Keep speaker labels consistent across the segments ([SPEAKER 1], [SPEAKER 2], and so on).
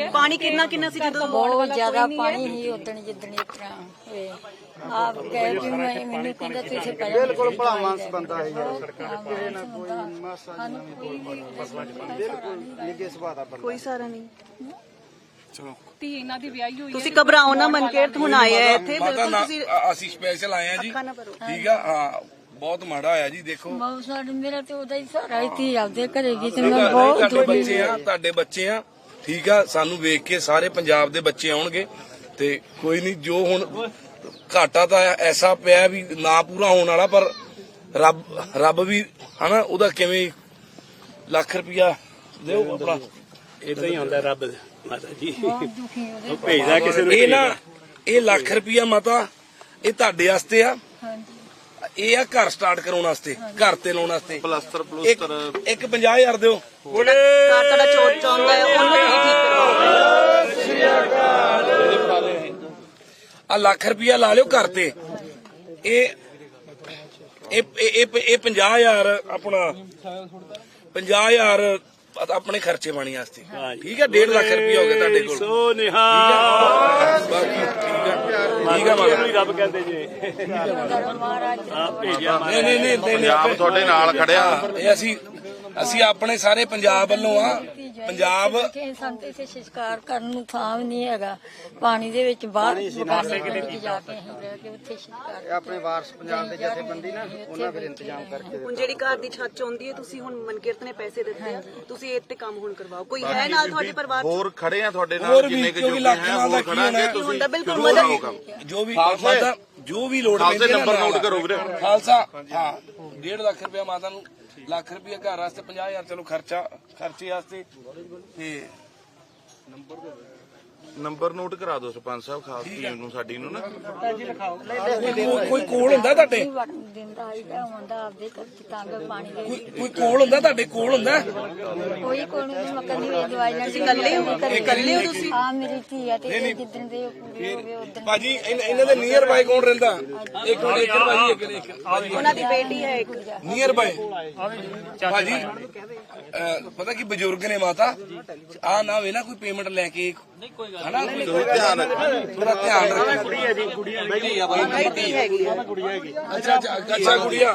[SPEAKER 1] ਪਾਣੀ ਕਿੰਨਾ ਸੀ ਜਦੋਂ
[SPEAKER 2] ਬਹੁਤ ਜ਼ਿਆਦਾ ਪਾਣੀ ਹੀ ਉਦਣ ਜਿੱਦਣ ਇਸ ਤਰ੍ਹਾਂ ਹੋਏ ਆਪ ਗਏ ਵੀ ਮੈਨੂੰ ਕਹਿੰਦਾ ਤੁਸੀਂ ਪਹਿਲਾਂ
[SPEAKER 3] ਬਿਲਕੁਲ ਭਲਾ ਮਾਨਸ ਬੰਦਾ ਹੈ ਯਾਰ ਕਿਸੇ ਨਾ ਕੋਈ ਮਾਸਾ ਨਿੱਗੇ ਸੁਭਾਅ ਦਾ ਬੰਦਾ
[SPEAKER 1] ਕੋਈ ਸਾਰਾ ਨਹੀਂ।
[SPEAKER 4] ਚਲੋ
[SPEAKER 5] ਧੀ ਇਹਨਾਂ ਦੀ ਵਿਆਹੀ ਹੋਈ
[SPEAKER 1] ਤੁਸੀਂ ਘਬਰਾਓ ਨਾ ਮਨਕੀਰਤ, ਹੁਣ ਆਏ ਆ ਇੱਥੇ
[SPEAKER 4] ਮਾਤਾ
[SPEAKER 1] ਬਿਲਕੁਲ
[SPEAKER 4] ਨਾ
[SPEAKER 1] ਤੁਸੀਂ
[SPEAKER 4] ਅਸੀਂ ਸਪੈਸ਼ਲ ਆਏ ਆ ਜੀ
[SPEAKER 1] ਅੱਖਾਂ ਨਾ ਭਰੋ।
[SPEAKER 4] ਠੀਕ ਆ ਹਾਂ ਬਹੁਤ ਮਾੜਾ ਹੋਇਆ ਜੀ ਦੇਖੋ
[SPEAKER 2] ਬਹੁਤ ਸਾਡੇ ਮੇਰਾ ਤੇ ਉਹਦਾ ਹੀ ਸਾਰਾ ਹੀ ਧੀ ਆਪਦੇ ਘਰੇ ਗਈ ਤੇ ਮੈਂ ਬਹੁਤ
[SPEAKER 4] ਤੁਹਾਡੇ ਬੱਚੇ ਆ ਤੁਹਾਡੇ ਬੱਚੇ ਆ ਠੀਕ ਆ ਸਾਨੂੰ ਵੇਖ ਕੇ ਸਾਰੇ ਪੰਜਾਬ ਦੇ ਬੱਚੇ ਆਉਣਗੇ ਤੇ ਕੋਈ ਨਹੀਂ ਜੋ ਹੁਣ ਘਾਟਾ ਤਾਂ ਐਸਾ ਪਿਆ ਵੀ ਨਾ ਪੂਰਾ ਹੋਣ ਵਾਲਾ ਪਰ ਰੱਬ ਵੀ ਹਨਾ ਉਹਦਾ ਕਿਵੇਂ ਲੱਖ ਰੁਪਇਆ ਦਿਓ ਆਪਣਾ
[SPEAKER 6] ਇਦਾਂ ਹੀ ਆਉਂਦਾ ਰੱਬ ਮਾਤਾ ਜੀ
[SPEAKER 2] ਬਹੁਤ ਦੁਖੀ ਉਹਦੇ
[SPEAKER 6] ਭੇਜਦਾ ਕਿਸੇ ਨੂੰ
[SPEAKER 4] ਇਹ ਨਾ ਇਹ ਲੱਖ ਰੁਪਇਆ ਮਾਤਾ ਇਹ ਤੁਹਾਡੇ ਵਾਸਤੇ ਆ
[SPEAKER 2] ਹਾਂਜੀ
[SPEAKER 4] ਇਹ ਆ ਘਰ ਸਟਾਰਟ ਕਰਾਉਣ ਵਾਸਤੇ ਘਰ ਤੇ ਲਾਉਣ ਵਾਸਤੇ
[SPEAKER 3] ਪਲਸਤਰ
[SPEAKER 4] ਇੱਕ 50000 ਦਿਓ
[SPEAKER 1] ਘਰ ਤੁਹਾਡਾ ਚੋਟ ਚਾਹੁੰਦਾ ਹੈ ਉਹਨੂੰ ਤੁਸੀਂ ਠੀਕ ਕਰਵਾਓ।
[SPEAKER 4] ਆ ਲੱਖ ਰੁਪਇਆ ਲਾ ਲਿਓ ਘਰ ਤੇ ਇਹ 50000 ਆਪਣਾ 50000 ਆਪਣੇ ਖਰਚੇ ਪਾਣੀ ਵਾਸਤੇ ਠੀਕ ਹੈ 1.5 ਲੱਖ ਰੁਪਇਆ ਹੋ ਗਿਆ ਤੁਹਾਡੇ ਕੋਲ
[SPEAKER 6] ਸੋ ਨਿਹਾਲ
[SPEAKER 4] ਬਾਕੀ ਠੀਕ ਆ
[SPEAKER 6] ਇਹਨੂੰ ਹੀ ਰੱਬ ਕਹਿੰਦੇ ਜੀ
[SPEAKER 2] ਮਹਾਰਾਜ
[SPEAKER 6] ਆ ਭੇਜਿਆ
[SPEAKER 4] ਨਹੀਂ
[SPEAKER 3] ਪੰਜਾਬ ਤੁਹਾਡੇ ਨਾਲ ਖੜਿਆ
[SPEAKER 4] ਇਹ ਅਸੀਂ ਆਪਣੇ ਸਾਰੇ ਪੰਜਾਬ ਵੱਲੋਂ ਆ ਪੰਜਾਬ
[SPEAKER 2] ਕਿ ਸਾਨੂੰ ਤੇ ਇੱਥੇ ਸ਼ਿਕਾਰ ਕਰਨ ਨੂੰ ਥਾਂ ਵੀ ਨਹੀਂ ਹੈਗਾ ਪਾਣੀ ਦੇ ਵਿੱਚ ਬਾਹਰ ਬਗਾਨੇ ਦੇ ਵਿੱਚ ਜਾ ਕੇ ਅਸੀਂ ਰਹਿ ਕੇ ਉੱਥੇ ਸ਼ਿਕਾਰ
[SPEAKER 3] ਆਪਣੇ ਵਾਰਸ ਪੰਜਾਬ ਦੇ ਜਥੇਬੰਦੀ ਨਾ ਉਹਨਾਂ ਫਿਰ ਇੰਤਜ਼ਾਮ ਕਰਕੇ
[SPEAKER 1] ਹੁਣ ਜਿਹੜੀ ਘਰ ਦੀ ਛੱਤ ਚਾਹੁੰਦੀ ਹੈ ਤੁਸੀਂ ਹੁਣ ਮਨਕੀਰਤ ਨੇ ਪੈਸੇ ਦਿੱਤੇ ਆ ਤੁਸੀਂ ਇਹ ਤੇ ਕੰਮ ਹੁਣ ਕਰਵਾਓ। ਕੋਈ ਹੈ ਨਾਲ ਤੁਹਾਡੇ ਪਰਿਵਾਰ ਚ?
[SPEAKER 3] ਹੋਰ ਖੜੇ ਆ ਤੁਹਾਡੇ
[SPEAKER 4] ਹੋਰ
[SPEAKER 3] ਨਾਲ
[SPEAKER 4] ਵੀ
[SPEAKER 3] ਜਿੰਨੇ ਕਿ
[SPEAKER 4] ਕਿਉਂਕਿ
[SPEAKER 3] ਜੁੜੇ
[SPEAKER 4] ਲੱਖ
[SPEAKER 3] ਹੈ
[SPEAKER 4] ਨਾਲ ਦਾ
[SPEAKER 3] ਹੋਰ
[SPEAKER 4] ਕੀ ਹੋਣਾ
[SPEAKER 3] ਖੜਾਂਗੇ
[SPEAKER 4] ਹੈ।
[SPEAKER 1] ਹੁੰਦਾ
[SPEAKER 3] ਤੁਸੀਂ
[SPEAKER 1] ਬਿਲਕੁਲ
[SPEAKER 3] ਜ਼ਰੂਰ ਆਓ
[SPEAKER 1] ਮਦਦ
[SPEAKER 3] ਕੰਮ
[SPEAKER 4] ਜੋ ਵੀ ਮਾਤਾ ਜੋ ਵੀ ਲੋੜ
[SPEAKER 3] ਖਾਲਸੇ
[SPEAKER 4] ਪੈਂਦੀ ਹੈ
[SPEAKER 3] ਨੰਬਰ
[SPEAKER 4] ਨਾਲ
[SPEAKER 3] ਨੋਟ ਕਰੋ ਵੀਰੇ।
[SPEAKER 4] ਖਾਲਸਾ ਹਾਂ 1.5 ਲੱਖ ਰੁਪਇਆ ਮਾਤਾ ਨੂੰ ਲੱਖ ਰੁਪਇਆ ਘਰ ਵਾਸਤੇ 50000 ਚਲੋ ਖਰਚੇ ਵਾਸਤੇ ਤੇ
[SPEAKER 3] ਨੰਬਰ ਨੋਟ ਕਰਾ ਦਿਓ ਸਰਪੰਚ ਸਾਹਿਬ ਖਾਸ ਟੀਮ ਨੂੰ ਸਾਡੀ ਨੂੰ ਨਾ
[SPEAKER 4] ਕੋਈ ਕੋਲ ਹੁੰਦਾ ਤੁਹਾਡੇ
[SPEAKER 2] ਦਿਨ ਦਾ ਆਈਦਾ ਹੁੰਦਾ ਆਪਦੇ ਘਰ ਚ ਤੰਗ ਪਾਣੀ ਦੇ ਵਿੱਚ।
[SPEAKER 4] ਕੋਈ ਕੋਲ ਹੁੰਦਾ ਤੁਹਾਡੇ ਕੋਲ ਹੁੰਦਾ
[SPEAKER 2] ਕੋਈ ਕੋਲ ਨਹੀਂ ਮੱਕਰ ਨਹੀਂ ਦਵਾਈ ਨਾਲ
[SPEAKER 1] ਇਕੱਲੇ ਹੋ ਤੁਸੀਂ?
[SPEAKER 2] ਆ ਮੇਰੀ ਧੀ ਆ ਤੇ ਇਹ ਜਿੱਦਣ ਦੇ ਪੂਰੇ ਹੋ ਗਏ ਉਦੋਂ
[SPEAKER 4] ਭਾਜੀ ਇਹਨਾਂ ਦੇ ਨੀਅਰ ਬਾਈ ਕੌਣ ਰਹਿੰਦਾ ਇੱਕ ਭਾਜੀ ਇੱਕ
[SPEAKER 1] ਉਹਨਾਂ ਦੀ ਬੇਟੀ ਹੈ ਇੱਕ।
[SPEAKER 4] ਨੀਅਰ ਬਾਈ ਭਾਜੀ ਪਤਾ ਕੀ ਬਜ਼ੁਰਗ ਨੇ ਮਾਤਾ ਆ ਨਾ ਵੇ ਨਾ ਕੋਈ ਪੇਮੈਂਟ ਲੈ ਕੇ ਹਨਾ
[SPEAKER 3] ਧਿਆਨ ਰੱਖੋ
[SPEAKER 4] ਥੋੜਾ ਧਿਆਨ ਰੱਖੋ
[SPEAKER 6] ਕੁੜੀਆ ਜੀ ਕੁੜੀਆ
[SPEAKER 1] ਬੇਟੀ ਹੈਗੀ ਆ।
[SPEAKER 4] ਅੱਛਾ ਗੁੜੀਆ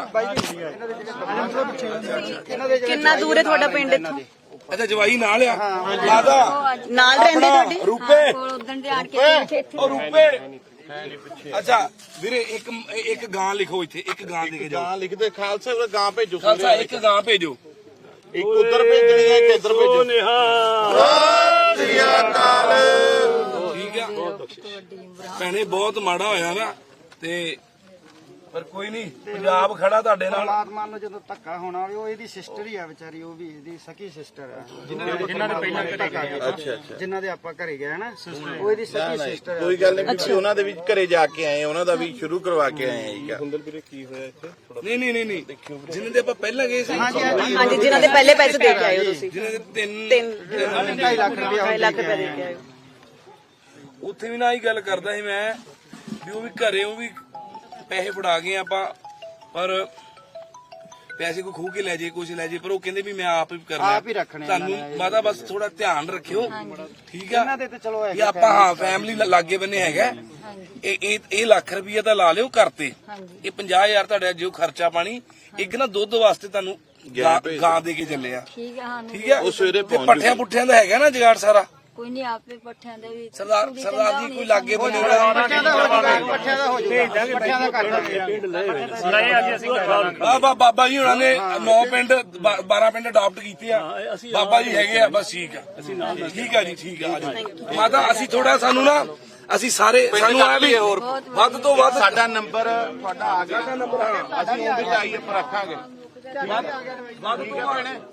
[SPEAKER 1] ਕਿੰਨਾ ਦੂਰ ਹੈ ਤੁਹਾਡਾ ਪਿੰਡ ਇੱਥੋਂ?
[SPEAKER 4] ਅੱਛਾ ਜਵਾਈ ਨਾਲ ਆ ਮਾਤਾ
[SPEAKER 1] ਨਾਲ ਰਹਿੰਦੇ ਤੁਹਾਡੇ?
[SPEAKER 4] ਰੂਪੇ
[SPEAKER 2] ਕੋਲ ਉਦੋਂ ਦੇ ਆਣ ਕੇ ਇੱਥੇ
[SPEAKER 4] ਉਹ ਰੂਪੇ ਅੱਛਾ ਵੀਰੇ ਇੱਕ ਗਾਂ ਲਿਖੋ ਇੱਥੇ ਇੱਕ ਗਾਂ ਦੇ ਕੇ ਜਾਓ
[SPEAKER 3] ਗਾਂ ਲਿਖਦੇ ਖਾਲਸਾ ਵੀਰੇ ਗਾਂ ਭੇਜੋ
[SPEAKER 4] ਖਾਲਸਾ ਇੱਕ ਗਾਂ ਭੇਜੋ
[SPEAKER 3] ਇੱਕ ਉਧਰ ਭੇਜਣੀ ਹੈ ਇੱਕ ਇੱਧਰ ਭੇਜੋ
[SPEAKER 6] ਸੋ ਨਿਹਾਲ
[SPEAKER 3] ਸ੍ਰੀ ਅਕਾਲ
[SPEAKER 4] ਠੀਕ ਆ ਭੈਣੇ ਬਹੁਤ ਮਾੜਾ ਹੋਇਆ ਨਾ ਤੇ ਪਰ ਕੋਈ ਨਹੀਂ ਪੰਜਾਬ ਖੜਾ ਤੁਹਾਡੇ ਨਾਲ
[SPEAKER 3] ਪਰਮਾਤਮਾ ਨੂੰ ਜਦੋਂ ਧੱਕਾ ਹੋਣਾ ਹੋਵੇ ਉਹ ਇਹਦੀ ਸਿਸਟਰ ਹੀ ਆ ਵਿਚਾਰੀ ਉਹ ਵੀ ਇਹਦੀ ਸਕੀ ਸਿਸਟਰ ਆ ਜਿਨ੍ਹਾਂ ਦੇ ਪਹਿਲਾਂ ਘਰੇ ਗਏ ਅੱਛਾ ਜਿਨ੍ਹਾਂ ਦੇ ਆਪਾਂ ਘਰੇ ਗਏ ਨਾ ਉਹ ਇਹਦੀ ਸਕੀ ਸਿਸਟਰ
[SPEAKER 7] ਕੋਈ ਗੱਲ ਨਹੀਂ ਵੀ ਉਹਨਾਂ ਦੇ ਵੀ ਘਰੇ ਜਾ ਕੇ ਆਏ ਉਹਨਾਂ ਦਾ ਵੀ ਸ਼ੁਰੂ ਕਰਵਾ ਕੇ ਆਏ ਆ
[SPEAKER 4] ਨਹੀਂ ਜਿਨ੍ਹਾਂ ਦੇ ਆਪਾਂ ਪਹਿਲਾਂ ਗਏ ਸੀ
[SPEAKER 1] ਹਾਂਜੀ ਜਿਨ੍ਹਾਂ ਦੇ ਪਹਿਲੇ ਪੈਸੇ ਦੇ ਕੇ ਆਏ ਹੋ ਤੁਸੀਂ?
[SPEAKER 4] ਜਿਨ੍ਹਾਂ ਦੇ
[SPEAKER 3] 2.5 ਲੱਖ ਰੁਪਇਆ
[SPEAKER 1] 2.5 ਲੱਖ ਰੁਪਏ ਦੇ ਕੇ ਆਏ ਹੋ।
[SPEAKER 4] ਉੱਥੇ ਵੀ ਨਾ ਹੀ ਗੱਲ ਕਰਦਾ ਸੀ ਮੈਂ ਵੀ ਉਹ ਵੀ ਘਰੇ ਉਹ ਵੀ ਪੈਸੇ ਫੜਾ ਗਏ ਆਪਾਂ ਪਰ ਪੈਸੇ ਕੋਈ ਖੂਹ ਕੇ ਲੈ ਜੇ ਕੁਝ ਲੈ ਜੇ ਪਰ ਉਹ ਕਹਿੰਦੇ ਵੀ ਮੈਂ ਆਪ ਹੀ ਕਰਨਾ
[SPEAKER 3] ਆਪ ਹੀ ਰੱਖਣੇ
[SPEAKER 4] ਤੁਹਾਨੂੰ ਮਾਤਾ ਬਸ ਥੋੜਾ ਧਿਆਨ ਰੱਖਿਓ ਠੀਕ ਆ
[SPEAKER 3] ਇਹਨਾਂ ਦੇ ਤੇ ਚਲੋ
[SPEAKER 4] ਵੀ ਆਪਾਂ ਹਾਂ ਫੈਮਿਲੀ ਲਾਗੇ ਬੰਨੇ ਹੈਗਾ ਇਹ ਲੱਖ ਰੁਪਈਆ ਤਾਂ ਲਾ ਲਿਓ ਘਰ ਤੇ ਇਹ 50000 ਤੁਹਾਡਾ ਜੋ ਖਰਚਾ ਪਾਣੀ ਇੱਕ ਨਾ ਦੁੱਧ ਵਾਸਤੇ ਤੁਹਾਨੂੰ ਗਾਂ ਦੇ ਕੇ ਚੱਲੇ ਆ
[SPEAKER 2] ਠੀਕ ਆ ਸਾਨੂੰ
[SPEAKER 4] ਠੀਕ ਆ ਉਹ ਸਵੇਰੇ ਪੱਠਿਆਂ ਪੁੱਠਿਆਂ ਦਾ ਹੈਗਾ ਨਾ ਜਗਾੜ ਸਾਰਾ
[SPEAKER 2] ਕੋਈ ਨਹੀਂ ਆਪੇ ਪੱਠਿਆਂ ਦੇ ਵੀ
[SPEAKER 4] ਸਰਦਾਰ ਜੀ ਕੋਈ ਲਾਗੇ ਬੰਨੇ
[SPEAKER 3] ਪੱਠਿਆਂ ਦਾ ਹੋ ਜਾਊਗਾ ਪੱਠਿਆਂ ਦਾ ਕਰ ਦਾਂਗੇ
[SPEAKER 4] ਬਾਬਾ ਜੀ ਹੁਣਾਂ ਨੇ 9 ਪਿੰਡ 12 ਪਿੰਡ ਅਡਾਪਟ ਕੀਤੇ ਆ ਬਾਬਾ ਜੀ ਹੈਗੇ ਆ ਬਸ ਠੀਕ ਆ ਠੀਕ ਆ ਜੀ ਠੀਕ ਆ ਮਾਤਾ ਅਸੀਂ ਥੋੜਾ ਸਾਨੂੰ ਨਾ ਅਸੀਂ ਸਾਰੇ ਸਾਨੂੰ ਆ ਵੀ ਵੱਧ ਤੋਂ ਵੱਧ
[SPEAKER 7] ਸਾਡਾ ਨੰਬਰ ਤੁਹਾਡਾ ਆ ਗਿਆ ਨੰਬਰ ਅਸੀਂ ਉਹਦੇ ਚ ਆਈਏ ਪਰ ਰੱਖਾਂਗੇ
[SPEAKER 4] ਵੱਧ ਤੋਂ ਵੱਧ